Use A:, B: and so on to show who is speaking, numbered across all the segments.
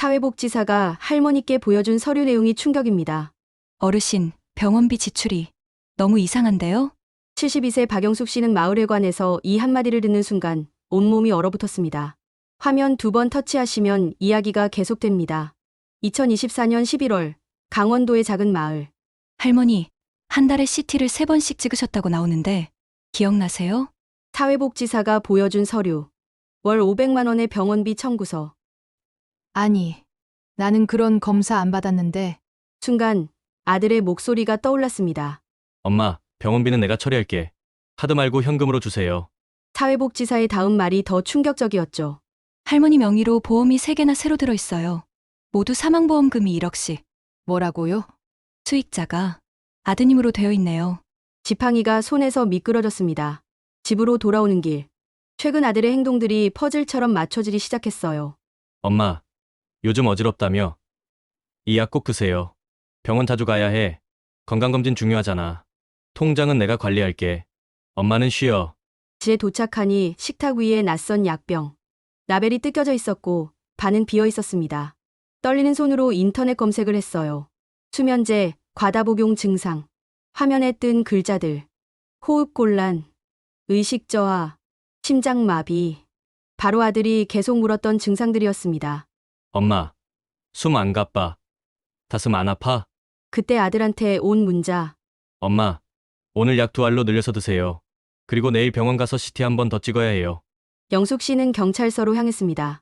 A: 사회복지사가 할머니께 보여준 서류 내용이 충격입니다.
B: 어르신, 병원비 지출이 너무 이상한데요?
A: 72세 박영숙 씨는 마을회관에서 이 한마디를 듣는 순간 온몸이 얼어붙었습니다. 화면 2번 터치하시면 이야기가 계속됩니다. 2024년 11월 강원도의 작은 마을.
B: 할머니, 한 달에 CT를 3번씩 찍으셨다고 나오는데 기억나세요?
A: 사회복지사가 보여준 서류. 월 500만 원의 병원비 청구서.
C: 아니, 나는 그런 검사 안 받았는데.
A: 순간 아들의 목소리가 떠올랐습니다.
D: 엄마, 병원비는 내가 처리할게. 카드 말고 현금으로 주세요.
A: 사회복지사의 다음 말이 더 충격적이었죠.
B: 할머니 명의로 보험이 3개나 새로 들어있어요. 모두 사망보험금이 1억씩.
C: 뭐라고요?
B: 수익자가 아드님으로 되어 있네요.
A: 지팡이가 손에서 미끄러졌습니다. 집으로 돌아오는 길. 최근 아들의 행동들이 퍼즐처럼 맞춰지기 시작했어요.
D: 엄마, 요즘 어지럽다며? 이 약 꼭 드세요. 병원 자주 가야 해. 건강검진 중요하잖아. 통장은 내가 관리할게. 엄마는 쉬어.
A: 집에 도착하니 식탁 위에 낯선 약병. 라벨이 뜯겨져 있었고 반은 비어 있었습니다. 떨리는 손으로 인터넷 검색을 했어요. 수면제, 과다복용 증상. 화면에 뜬 글자들. 호흡곤란, 의식저하, 심장마비. 바로 아들이 계속 물었던 증상들이었습니다.
D: 엄마, 숨 안 가빠. 가슴 안 아파?
A: 그때 아들한테 온 문자.
D: 엄마, 오늘 약 2알로 늘려서 드세요. 그리고 내일 병원 가서 CT 한 번 더 찍어야 해요.
A: 영숙 씨는 경찰서로 향했습니다.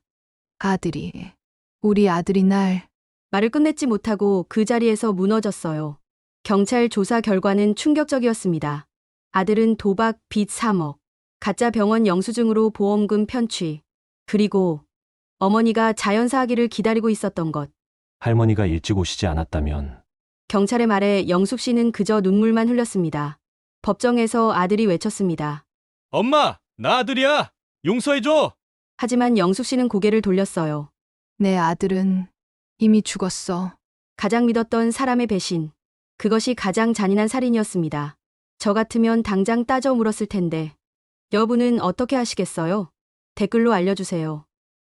C: 우리 아들이 날.
A: 말을 끝맺지 못하고 그 자리에서 무너졌어요. 경찰 조사 결과는 충격적이었습니다. 아들은 도박, 빚 3억, 가짜 병원 영수증으로 보험금 편취, 그리고 어머니가 자연사하기를 기다리고 있었던 것.
E: 할머니가 일찍 오시지 않았다면
A: 경찰의 말에 영숙 씨는 그저 눈물만 흘렸습니다. 법정에서 아들이 외쳤습니다.
D: 엄마, 나 아들이야. 용서해줘.
A: 하지만 영숙 씨는 고개를 돌렸어요.
C: 내 아들은 이미 죽었어.
A: 가장 믿었던 사람의 배신. 그것이 가장 잔인한 살인이었습니다. 저 같으면 당장 따져 물었을 텐데. 여러분은 어떻게 하시겠어요? 댓글로 알려주세요.